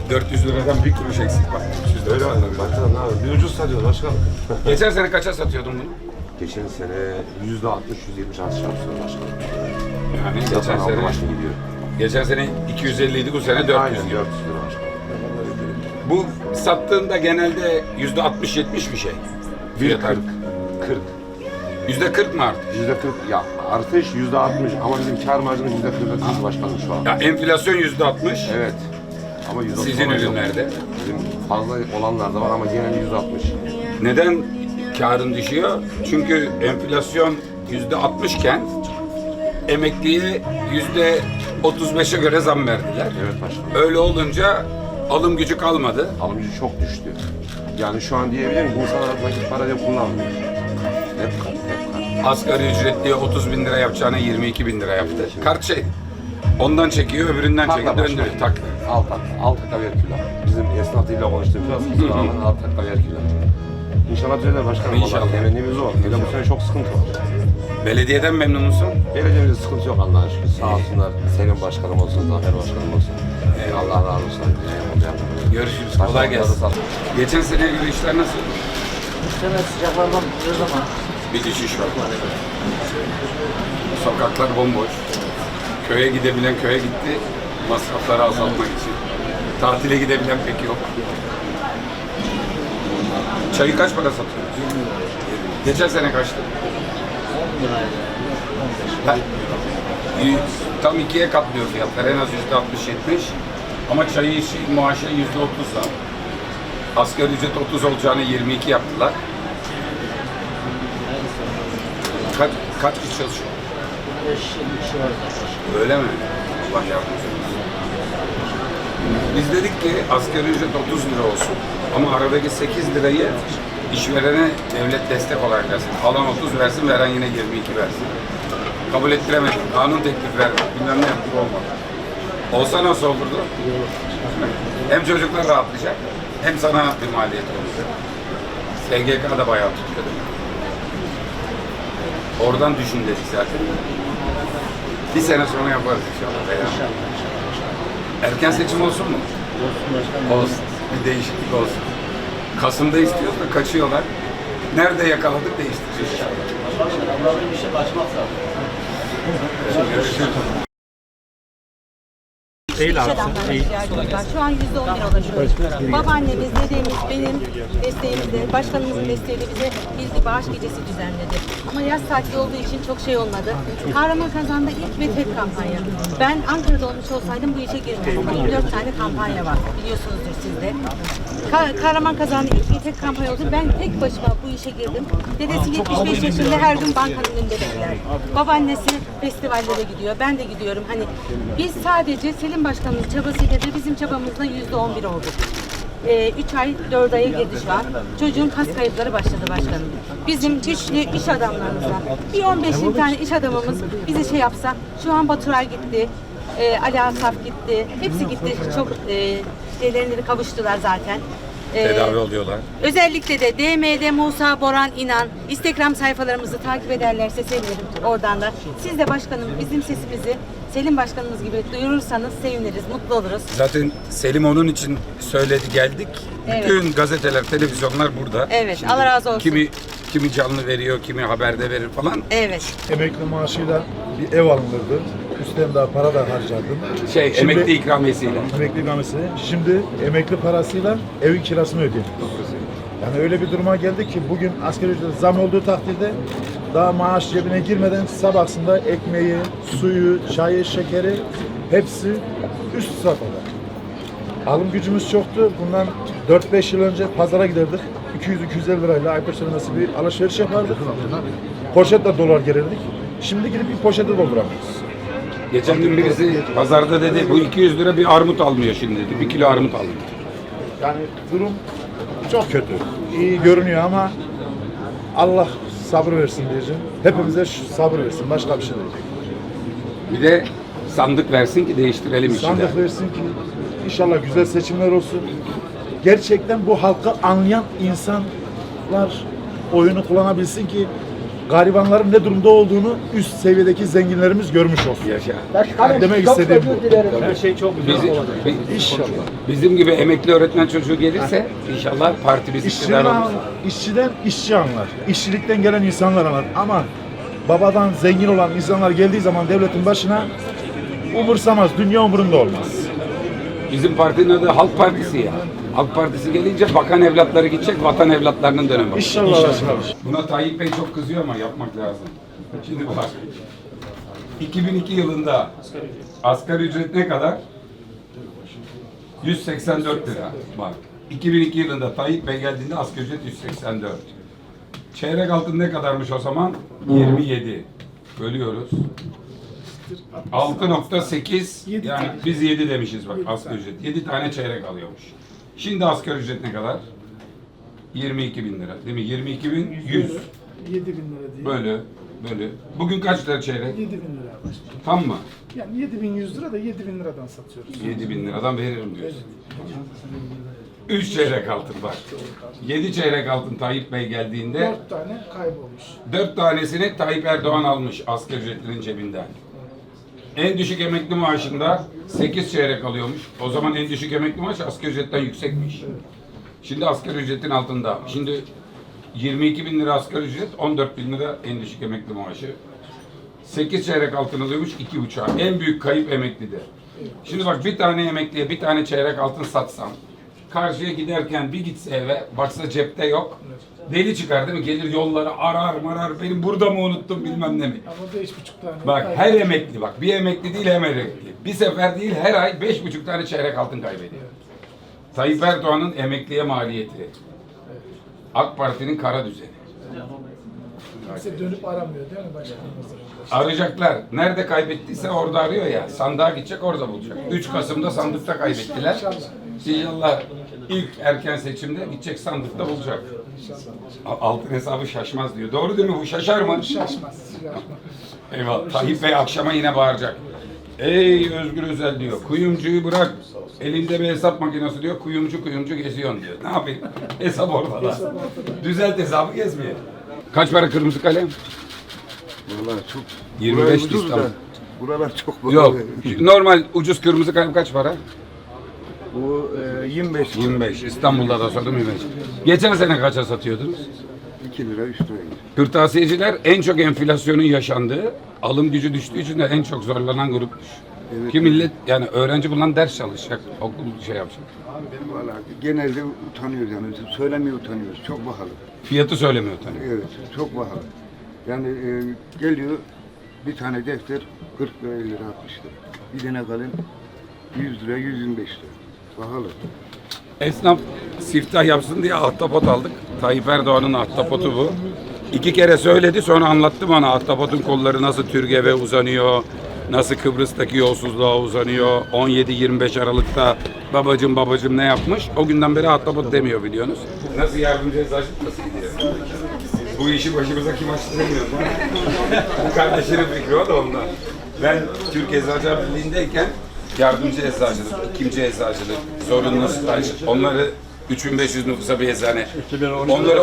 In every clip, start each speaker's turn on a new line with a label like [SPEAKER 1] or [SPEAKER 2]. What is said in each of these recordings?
[SPEAKER 1] 400 liradan bir kuruş eksik bak. 300 lira.
[SPEAKER 2] Öyle anladım. Başkanım ne yapayım? Bir ucuz satıyoruz başkanım.
[SPEAKER 1] Geçen sene kaça satıyordun bunu?
[SPEAKER 2] Geçen sene %60-%70 artış yapıyoruz başkanım.
[SPEAKER 1] Yani
[SPEAKER 2] Geçen sene başına gidiyor.
[SPEAKER 1] geçen sene 250 idi, bu sene 400
[SPEAKER 2] Aynen
[SPEAKER 1] diyor.
[SPEAKER 2] 400 lira başkanım.
[SPEAKER 1] Bu sattığında genelde %60-70 bir şey. Fiyat artık.
[SPEAKER 2] 40.
[SPEAKER 1] %40 mı artık?
[SPEAKER 2] %40 ya artış %60 ama bizim kar marjımız %40'a düştü başkanım şu an.
[SPEAKER 1] Ya enflasyon %60.
[SPEAKER 2] Evet. Ama %30
[SPEAKER 1] Sizin
[SPEAKER 2] olan yok.
[SPEAKER 1] ürünlerde.
[SPEAKER 2] Bizim fazla olanlar da var ama genelde %60.
[SPEAKER 1] Neden karın düşüyor? Çünkü enflasyon %60 iken emekliye %35'e göre zam verdiler.
[SPEAKER 2] Evet başkanım.
[SPEAKER 1] Öyle olunca alım gücü kalmadı.
[SPEAKER 2] Alım gücü çok düştü. Yani şu an diyebilirim ki insanlar nakit para bile kullanmıyor. Hep kart, hep kart.
[SPEAKER 1] Asgari ücretliye 30 bin lira yapacağına 22 bin lira yaptı. Kart şey, ondan çekiyor, öbüründen çekiyor,
[SPEAKER 2] Takla
[SPEAKER 1] döndürüyor.
[SPEAKER 2] başkanım. Alt takla verküler. Bizim esnafıyla konuştuğumuz kusura bakmayın alt takla verküler. İnşallah düzelir başkanım.
[SPEAKER 1] İnşallah.
[SPEAKER 2] Vallahi temennimiz o. Hele bu sene çok sıkıntı var.
[SPEAKER 1] Belediyeden memnun musun?
[SPEAKER 2] Belediyemizde sıkıntı yok Allah'a şükür. Sağ olsunlar. Selim başkanım olsun, Zafer başkanım olsun. Allah razı olsun.
[SPEAKER 1] Görüşürüz, kolay gelsin. Geçen seneye göre işler nasıl?
[SPEAKER 3] Bu sene sıcaklardan bitiyoruz ama
[SPEAKER 1] Bir düşüş var. Sokaklar bomboş. Köye gidebilen köye gitti, masrafları azaltmak için. Tatile gidebilen pek yok. Çayı kaç para satıyorsunuz? Geçen sene kaçtı?
[SPEAKER 3] 10 liraydı. 15
[SPEAKER 1] Ha, tam ikiye katlıyor fiyatlar. En az %60-70. Ama çayı maaşı %30 zam. Asgari ücret 30 olacağını 22 yaptılar. Kaç kişi çalışıyor?
[SPEAKER 3] 5 kişi var zaten.
[SPEAKER 1] Öyle mi? Allah yardımcı olsun. Biz dedik ki asgari ücret 30 lira olsun. Ama aradaki 8 lirayı işverene devlet destek olarak versin. Alan 30 versin, veren yine 22 versin. Kabul ettiremedik. Kanun teklif verdik. Bilmem ne yaptık, olmadı. Olsa nasıl olurdu? Hem çocuklar rahatlayacak, hem sana bir maliyet olacak. SGK da bayağı tutuyor. Oradan düşün dedik zaten. Bir sene sonra yaparız inşallah. Erken seçim olsun mu?
[SPEAKER 3] Olsun başkanım.
[SPEAKER 1] Olsun. Bir değişiklik olsun. Kasım'da istiyoruz da kaçıyorlar. Nerede yakaladık değiştireceğiz inşallah.
[SPEAKER 3] Allah'ın bir şey kaçmaz zaten.
[SPEAKER 1] Görüşürüz.
[SPEAKER 4] İş adamlarına ihtiyacımız var. Şu an %11 ulaşıyoruz. Babaannemiz, dedemiz, benim desteğimizle, başkanımızın desteğiyle bize bir bağış gecesi düzenledi. Ama yaz tatili olduğu için çok şey olmadı. Kahramanmaraş'ta ilk ve tek kampanya. Ben Ankara'da olmuş olsaydım bu işe girmezdim. 24 tane kampanya var. Biliyorsunuzdur siz de. Kahramanmaraş'ta ilk ve tek kampanya oldu. Ben tek başıma bu işe girdim. Dedesi 75 yaşında, her gün bankanın önünde bekler. Babaannesi festivallere gidiyor. Ben de gidiyorum. Hani biz sadece Selim Başkanımız çabasıyla da bizim çabamızla %11 olduk. 3 ay 4 aya girdi şu an. Çocuğun kas kayıpları başladı başkanım. Bizim güçlü iş adamlarımızla bir 15 tane iş adamımız bize şey yapsa, şu an Baturay gitti, Ali Asaf gitti, hepsi gitti. Çok şeylerini kavuştular zaten.
[SPEAKER 1] Tedavi oluyorlar.
[SPEAKER 4] Özellikle de DM'de Musa Boran İnan Instagram sayfalarımızı takip ederlerse sevinirim oradan da. Siz de başkanım bizim sesimizi Selim Başkanımız gibi duyurursanız seviniriz, mutlu oluruz.
[SPEAKER 1] Zaten Selim onun için söyledi, geldik.
[SPEAKER 4] Evet.
[SPEAKER 1] Bütün gazeteler, televizyonlar burada.
[SPEAKER 4] Evet, Allah razı olsun.
[SPEAKER 1] Kimi canlı veriyor, kimi haberde verir falan.
[SPEAKER 4] Evet.
[SPEAKER 5] Emekli maaşıyla bir ev alınırdı. Üstten daha para da harcardım.
[SPEAKER 1] Emekli ikramiyesiyle.
[SPEAKER 5] Emekli ikramiyesi. Şimdi emekli parasıyla evin kirasını ödeyeyim. Yani öyle bir duruma geldi ki bugün asgari ücret zam olduğu takdirde daha maaş cebine girmeden sabahsında ekmeği, suyu, çayı, şekeri hepsi üst safhada. Alım gücümüz çoktu. Bundan 4-5 yıl önce pazara giderdik. 200-250 lirayla ayıp sonrası bir alışveriş yapardık. Poşetle dolar gelirdik. Şimdi gidip bir poşete dolduramıyoruz.
[SPEAKER 1] Geçen gün birisi pazarda dedi, bu 200 lira bir armut almıyor şimdi dedi. 1 kilo armut alıyor.
[SPEAKER 5] Yani durum çok kötü. İyi görünüyor ama Allah sabır versin diyeceğim. Hepimize sabır versin. Başka bir şey diyecek.
[SPEAKER 1] Bir de sandık versin ki değiştirelim işi.
[SPEAKER 5] Sandık versin ki inşallah güzel seçimler olsun. Gerçekten bu halkı anlayan insanlar oyunu kullanabilsin ki garibanların ne durumda olduğunu üst seviyedeki zenginlerimiz görmüş olsun.
[SPEAKER 1] Yaşa.
[SPEAKER 5] Yani demek istediğim bu.
[SPEAKER 3] Her şey çok güzel
[SPEAKER 1] Bizim,
[SPEAKER 3] olacak.
[SPEAKER 5] İnşallah.
[SPEAKER 1] bizim gibi emekli öğretmen çocuğu gelirse inşallah partimiz iktidar olur.
[SPEAKER 5] İşçiden işçi anlar. İşçilikten gelen insanlar anlar. Ama babadan zengin olan insanlar geldiği zaman devletin başına umursamaz. Dünya umurunda olmaz.
[SPEAKER 1] Bizim partinin adı Halk Partisi ya. Halk Partisi gelince bakan evlatları gidecek, vatan evlatlarının dönemi.
[SPEAKER 5] İnşallah.
[SPEAKER 1] Buna Tayyip Bey çok kızıyor ama yapmak lazım. Şimdi bak. 2002 yılında asgari ücret ne kadar? 184 lira. Bak. 2002 yılında Tayyip Bey geldiğinde asgari ücret 184. Çeyrek altın ne kadarmış o zaman? 27. Bölüyoruz. 6.8 yani biz 7 demişiz bak asgari ücret. 7 tane çeyrek alıyormuş. Şimdi asgari ücret ne kadar? 22 bin lira değil mi? 22 bin 100
[SPEAKER 6] 7 bin lira diye.
[SPEAKER 1] bölü. Bugün kaç lira çeyrek?
[SPEAKER 6] 7 bin lira başkanım.
[SPEAKER 1] Tam mı?
[SPEAKER 6] Yani 7100 lira da 7 bin liradan satıyoruz.
[SPEAKER 1] 7 bin liradan veririm diyorsun. 3 çeyrek altın bak. 7 çeyrek altın Tayyip Bey geldiğinde
[SPEAKER 6] 4 tane kaybolmuş.
[SPEAKER 1] 4 tanesini Tayyip Erdoğan almış asgari ücretlinin cebinden. En düşük emekli maaşında 8 çeyrek alıyormuş. O zaman en düşük emekli maaş asgari ücretten yüksekmiş. Şimdi asgari ücretin altında. Şimdi 22 bin lira asgari ücret, 14 bin lira en düşük emekli maaşı. 8 çeyrek altın alıyormuş, 2,5'a. En büyük kayıp emeklidir. Şimdi bak bir tane emekliye bir tane çeyrek altın satsam, karşıya giderken bir gitse eve, baksa cepte yok. Deli çıkar değil mi? Gelir yolları arar marar, benim burada mı unuttum bilmem ne mi?
[SPEAKER 6] Ama 5,5 tane
[SPEAKER 1] Bak
[SPEAKER 6] kaybolmuş.
[SPEAKER 1] her emekli bak bir emekli değil hem emekli. Bir sefer değil her ay 5,5 tane çeyrek altın kaybediyor. Tayyip Erdoğan'ın emekliye maliyeti. AK Parti'nin kara düzeni.
[SPEAKER 6] Kimse dönüp aramıyor değil mi başkanım?
[SPEAKER 1] Arayacaklar. Nerede kaybettiyse orada arıyor ya. Sandığa gidecek orada bulacak. 3 Kasım'da sandıkta kaybettiler. İnşallah ilk erken seçimde gidecek sandıkta bulacak. Altın hesabı şaşmaz diyor. Doğru değil mi? Bu şaşar mı?
[SPEAKER 6] Şaşmaz.
[SPEAKER 1] Eyvallah. Tayyip Bey akşama yine bağıracak. Ey Özgür Özel diyor. Kuyumcuyu bırak. Elinde bir hesap makinesi diyor. Kuyumcu geziyorsun diyor. Ne yapayım? Hesap ortada. Düzelt hesabı gezmeye. Kaç para kırmızı kalem?
[SPEAKER 7] Vallahi çok
[SPEAKER 1] 25
[SPEAKER 7] burası ucuz
[SPEAKER 1] İstanbul.
[SPEAKER 7] da, buralar çok
[SPEAKER 1] Yok. Normal ucuz kırmızı kalem kaç para?
[SPEAKER 7] Bu 25
[SPEAKER 1] 25. İstanbul'da da sordum 25. Geçen sene kaça satıyordunuz?
[SPEAKER 7] 2 lira 3 lira.
[SPEAKER 1] Kırtasiyeciler en çok enflasyonun yaşandığı, alım gücü düştüğü için de en çok zorlanan grupmuş.
[SPEAKER 7] Evet.
[SPEAKER 1] Ki millet yani öğrenci bundan ders çalışacak, okul şey yapacak.
[SPEAKER 7] Vallahi genelde utanıyoruz yani. Söylemeye utanıyoruz. Çok pahalı.
[SPEAKER 1] Fiyatı söylemiyor tabii.
[SPEAKER 7] Evet, çok pahalı. Yani geliyor bir tane defter 40 lira 50 lira 60 lira. Bir tane kalem 100 lira 125 lira. Pahalı.
[SPEAKER 1] Esnaf siftah yapsın diye ahtapot aldık. Tayyip Erdoğan'ın ahtapotu bu. 2 kere söyledi sonra anlattım ona ahtapotun kolları nasıl Türgev'e uzanıyor, nasıl Kıbrıs'taki yolsuzluğa uzanıyor. 17-25 Aralık'ta babacım ne yapmış? O günden beri ahtapot demiyor biliyorsunuz. Nasıl yardımcı eczacılık nasıl gidiyor? Bu işi başımıza kim açtıramıyor? Bu kardeşinin fikri o da ondan. Ben Türk Eczacılar Birliği'ndeyken yardımcı eczacılık, ikinci eczacılık, zorunlu staj, onları 3500 nüfusa bir eczane. Onları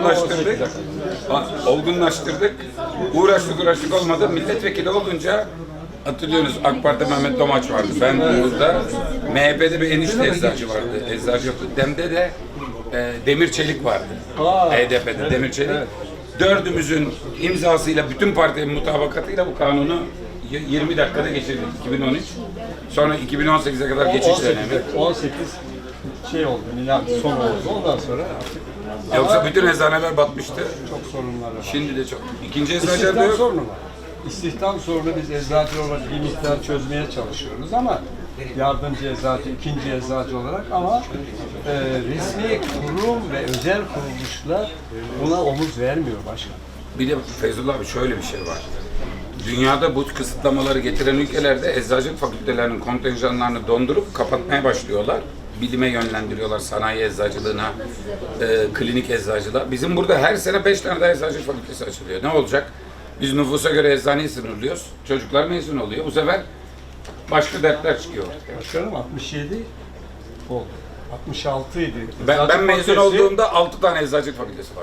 [SPEAKER 1] olgunlaştırdık. Uğraştık olmadı. Milletvekili olunca hatırlıyorsunuz AK Parti Mehmet Domaç vardı. Ben burada MHP'de bir enişte eczacı vardı. Eczacı yoktu. DEM'de de Demir Çelik vardı. HDP'de Demir Çelik. Dördümüzün imzasıyla, bütün partinin mutabakatıyla bu kanunu 20 dakikada geçirdik 2013. Sonra 2018'e kadar geçiş dönemi.
[SPEAKER 8] 18 şey oldu, milat son oldu. Ondan sonra artık
[SPEAKER 1] Yoksa bütün eczaneler batmıştı.
[SPEAKER 8] çok sorunlar var.
[SPEAKER 1] Şimdi de çok. İkinci eczacılar da
[SPEAKER 8] İstihdam
[SPEAKER 1] yok.
[SPEAKER 8] sorunu var. İstihdam sorunu biz eczacı olarak bir miktar çözmeye çalışıyoruz ama yardımcı eczacı, ikinci eczacı olarak ama resmi kurum ve özel kuruluşlar buna omuz vermiyor başkan.
[SPEAKER 1] Bir de Feyzullah abi şöyle bir şey var. Dünyada bu kısıtlamaları getiren ülkelerde eczacılık fakültelerinin kontenjanlarını dondurup kapatmaya başlıyorlar. Bilime yönlendiriyorlar, sanayi eczacılığına, klinik eczacılığa. Bizim burada her sene 5 tane daha eczacılık fakültesi açılıyor. Ne olacak? Biz nüfusa göre eczaneyi sınırlıyoruz. Çocuklar mezun oluyor. Bu sefer başka dertler çıkıyor.
[SPEAKER 8] Başkanım 67 oldu. 66 idi.
[SPEAKER 1] Ben
[SPEAKER 8] Eczacı
[SPEAKER 1] mezun
[SPEAKER 8] fakültesi-
[SPEAKER 1] olduğumda 6 tane eczacılık fakültesi vardı.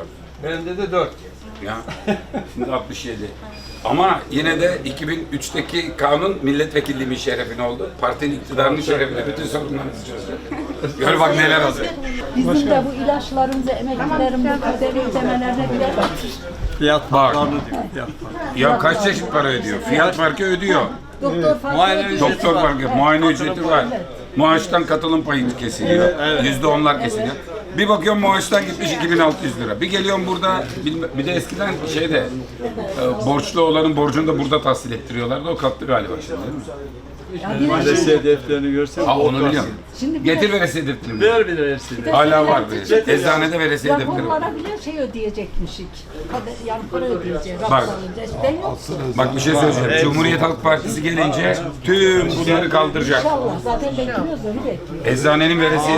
[SPEAKER 8] Bende de 4.
[SPEAKER 1] Ya şimdi 67. Ama yine de 2003'teki kanun milletvekilliğimin şerefine oldu. Partinin iktidarının şerefine bütün sorunlarınızı çözdü. Gör bak neler olacak.
[SPEAKER 9] Bizim de bu ilaçlarımıza, emeklilerin bu kaderi ödemelerine bile
[SPEAKER 8] Fiyat farklarını diyor. Fiyat farkı.
[SPEAKER 1] Ya kaç çeşit para ödüyor? Fiyat farkı ödüyor.
[SPEAKER 9] doktor farkı
[SPEAKER 8] Muayene
[SPEAKER 9] ödüyor.
[SPEAKER 8] ücreti
[SPEAKER 1] Doktor
[SPEAKER 8] var.
[SPEAKER 1] farkı, muayene ücreti var. Maaştan katılım payı kesiliyor. %10'lar kesiliyor. Bir bakıyorum maaştan gitmiş 2600 lira. Bir geliyorum burada, bir de eskiden şeyde borçlu olanın borcunu da burada tahsil ettiriyorlardı. O kalktı galiba şimdi değil mi?
[SPEAKER 8] Veresiye defterini görsen
[SPEAKER 1] Ha onu biliyorum.
[SPEAKER 9] Şimdi
[SPEAKER 1] Getir veresiye defterini.
[SPEAKER 8] ver bir veresiye.
[SPEAKER 1] Hala var veresiye. Eczanede veresiye defteri var.
[SPEAKER 9] raporlara bile şey ödeyecekmişik. Yani para ödeyeceğiz.
[SPEAKER 1] Bak.
[SPEAKER 9] Rapor alacağız. Ben yok.
[SPEAKER 1] Bak bir şey söyleyeceğim. Cumhuriyet Halk Partisi gelince tüm bunları kaldıracak.
[SPEAKER 9] İnşallah. Zaten bekliyoruz, onu bekliyoruz.
[SPEAKER 1] Eczanenin veresiye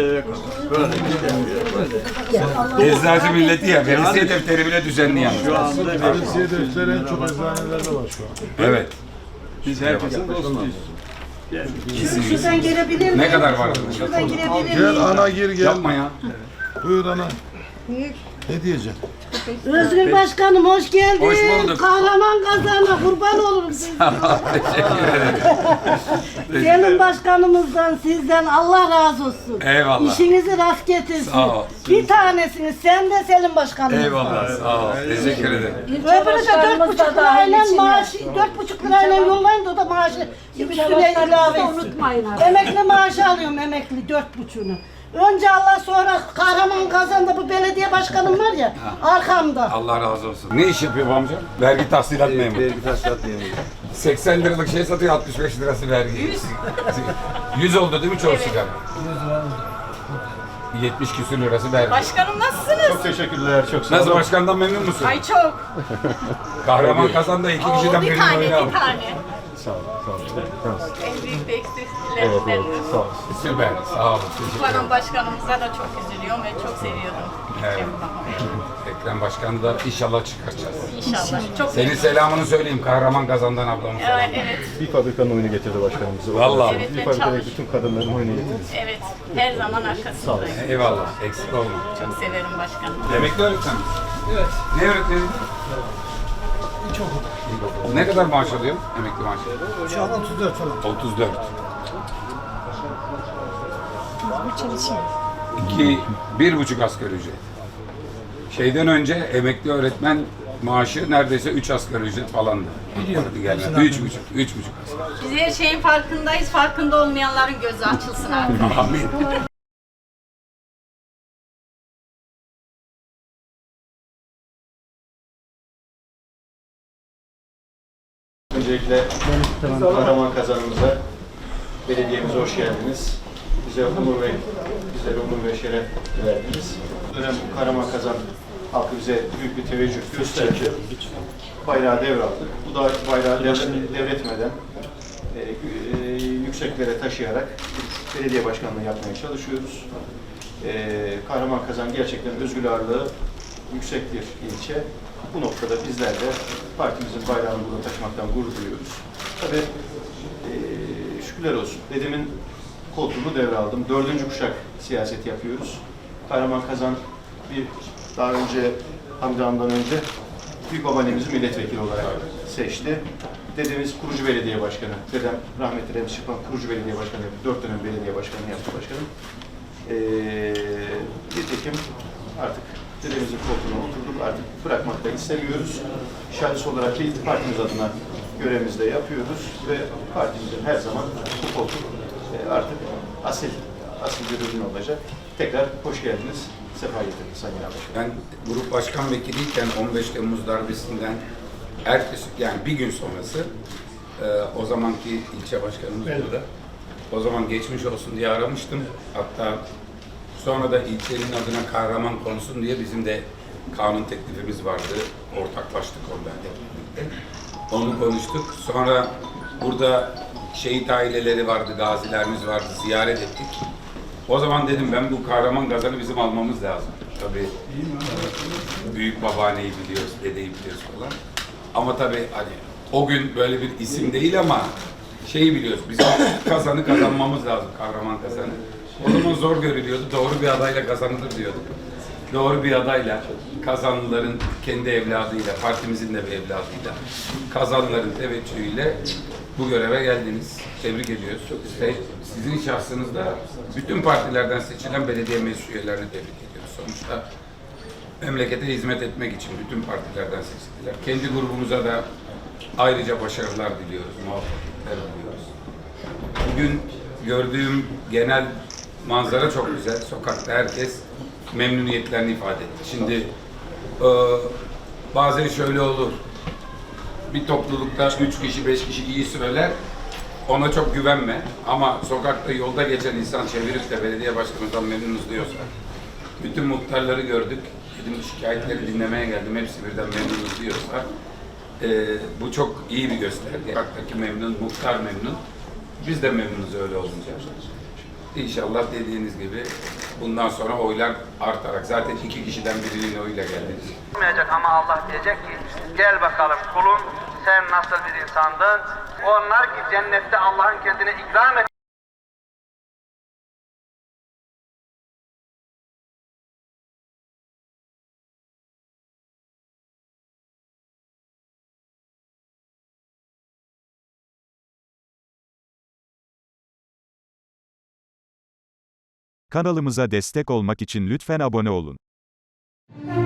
[SPEAKER 1] Eczacı milleti ya. Veresiye defteri bile düzenli yani.
[SPEAKER 8] Şu anda
[SPEAKER 5] Veresiye defteri en çok eczanelerde var şu an.
[SPEAKER 1] Evet.
[SPEAKER 8] biz herkesin dostuyuz.
[SPEAKER 10] Şuradan girebilir miyim?
[SPEAKER 1] Ne kadar var?
[SPEAKER 10] Şuradan girebilir
[SPEAKER 5] Gel
[SPEAKER 10] miyim?
[SPEAKER 5] ana gir gel.
[SPEAKER 1] Yapma ya.
[SPEAKER 5] Buyur ana. Ne diyeceksin?
[SPEAKER 10] Özgür Başkanım hoş geldin.
[SPEAKER 1] Hoş bulduk.
[SPEAKER 10] Kahraman kazana kurban olurum siz.
[SPEAKER 1] Teşekkür ederim.
[SPEAKER 10] Senin başkanımızdan sizden Allah razı olsun.
[SPEAKER 1] Eyvallah.
[SPEAKER 10] İşinizi rast getirsin.
[SPEAKER 1] Sağ ol.
[SPEAKER 10] Bir tanesiniz sen de Selim Başkanım.
[SPEAKER 1] Eyvallah. Sağ ol. Teşekkür ederim.
[SPEAKER 10] Öbürü de 4,5 lirayla maaşı, 4,5 lirayla yollayın da o da maaşı üstüne ilave etsin.
[SPEAKER 9] Unutmayın abi.
[SPEAKER 10] Emekli maaşı alıyorum emekli 4,5'unu. Önce Allah sonra Kahraman Kazan'da bu belediye başkanım var ya arkamda.
[SPEAKER 1] Allah razı olsun. Ne iş yapıyor bu amca? Vergi tahsilat memuru.
[SPEAKER 2] Vergi tahsilat memuru.
[SPEAKER 1] 80 liralık şey satıyor, 65 lirası vergi. 100 oldu değil mi çoğu sigara? 70 küsür lirası vergi.
[SPEAKER 4] Başkanım nasılsınız?
[SPEAKER 2] Teşekkürler, çok sağ
[SPEAKER 1] Nasıl başkandan memnun musun?
[SPEAKER 4] Ay çok.
[SPEAKER 1] Kahraman Kazan'da iki kişiden
[SPEAKER 4] Bir
[SPEAKER 1] birini
[SPEAKER 4] tane,
[SPEAKER 1] oynadı.
[SPEAKER 4] bir tane.
[SPEAKER 2] Sağ ol, sağ ol.
[SPEAKER 4] En büyük eksiklerinden.
[SPEAKER 2] Sağ ol.
[SPEAKER 1] Süper, sağ olun. Teşekkür ederim.
[SPEAKER 4] Umarım başkanımıza da çok üzülüyorum ve çok seviyordum.
[SPEAKER 1] Evet. Ekrem Başkan'ı da inşallah çıkaracağız.
[SPEAKER 4] İnşallah. Çok
[SPEAKER 1] Senin selamını söyleyeyim Kahraman Kazan'dan ablamın selamı.
[SPEAKER 4] Evet,
[SPEAKER 2] Bir fabrikanın oyunu getirdi başkanımızı.
[SPEAKER 1] Vallahi.
[SPEAKER 4] Evet,
[SPEAKER 2] Bir
[SPEAKER 4] ben
[SPEAKER 2] fabrikadaki
[SPEAKER 4] çalış-
[SPEAKER 2] bütün kadınların oyunu getirdi.
[SPEAKER 4] evet. Her zaman arkasındayım.
[SPEAKER 1] Eyvallah, eksik olma.
[SPEAKER 4] Çok severim başkanım.
[SPEAKER 1] Emekli öğretmen misin? Evet. Ne öğretmeni? İlkokul. Ne kadar maaş alıyor emekli maaşı?
[SPEAKER 6] Şu an 34 falan.
[SPEAKER 1] 34. İki, 1,5 asgari ücret. Şeyden önce emekli öğretmen maaşı neredeyse 3 asgari ücret falandı. Biliyorum. 3,5 asgari.
[SPEAKER 4] Biz her şeyin farkındayız. Farkında olmayanların gözü açılsın artık.
[SPEAKER 1] Amin.
[SPEAKER 11] Öncelikle Kahraman Kazanımıza, belediyemize hoş geldiniz. Bizlere onur ve şeref verdiniz. Bu dönem Kahraman Kazan halkı bize büyük bir teveccüh gösterdi. Bayrağı devraldık. Bu da bayrağı devretmeden yükseklere taşıyarak belediye başkanlığı yapmaya çalışıyoruz. Kahraman Kazan gerçekten özgür ağırlığı yüksek bir ilçe. Bu noktada bizler de partimizin bayrağını burada taşımaktan gurur duyuyoruz. Tabii şükürler olsun. Dedemin koltuğunu devraldım. 4. kuşak siyaset yapıyoruz. Kahraman Kazan daha önce Hamdi Han'dan önce büyük babaannemizi milletvekili olarak seçti. Dedemiz kurucu belediye başkanı. Dedem rahmetli Remzi Şıkman kurucu belediye başkanı yaptı. 4 dönem belediye başkanı yaptı başkanım. Nitekim artık dedemizin koltuğuna oturduk. Artık bırakmak da istemiyoruz. Şahıs olarak değil, partimiz adına görevimizi de yapıyoruz ve partimizin her zaman bu koltuk artık asil bir ürün olacak. Tekrar hoş geldiniz. Sefa getirdiniz Sayın Başkan.
[SPEAKER 1] Ben grup başkan vekiliyken 15 Temmuz darbesinden yani bir gün sonrası o zamanki ilçe başkanımız burada. O zaman geçmiş olsun diye aramıştım. Hatta sonra da ilçenin adına Kahraman konsun diye bizim de kanun teklifimiz vardı. Ortaklaştık ondan birlikte. Onu konuştuk. Sonra burada şehit aileleri vardı, gazilerimiz vardı, ziyaret ettik. O zaman dedim ben bu Kahraman Kazan'ı bizim almamız lazım. Tabii büyük babaanneyi biliyoruz, dedeyi biliyoruz falan. Ama tabii hani o gün böyle bir isim değil ama şeyi biliyoruz, bizim Kazan'ı kazanmamız lazım, Kahraman Kazan'ı. O zaman zor görülüyordu, doğru bir adayla kazanılır diyorduk. doğru bir adayla, kazanlıların kendi evladıyla, partimizin de bir evladıyla, kazanlıların teveccühüyle bu göreve geldiniz. Tebrik ediyoruz. Ve sizin şahsınızda bütün partilerden seçilen belediye meclis üyelerini tebrik ediyoruz. Sonuçta memlekete hizmet etmek için bütün partilerden seçildiler. Kendi grubumuza da ayrıca başarılar diliyoruz, muvaffakiyetler diliyoruz. Bugün gördüğüm genel manzara çok güzel. Sokakta herkes memnuniyetlerini ifade etti. Şimdi bazen şöyle olur. Bir toplulukta 3 kişi, 5 kişi iyi söyler. Ona çok güvenme. Ama sokakta yolda geçen insan çevirip de belediye başkanından memnunuz diyorsa, bütün muhtarları gördük. Dedim şikayetleri dinlemeye geldim. Hepsi birden memnunuz diyorsa, bu çok iyi bir gösterge. Sokaktaki memnun, muhtar memnun. Biz de memnunuz öyle olunca. İnşallah dediğiniz gibi bundan sonra oylar artarak, zaten 2 kişiden birinin oyuyla geldiniz.
[SPEAKER 12] Ama Allah diyecek ki gel bakalım kulum sen nasıl bir insandın? Onlar ki cennette Allah'ın kendine ikram et.
[SPEAKER 13] Kanalımıza destek olmak için lütfen abone olun.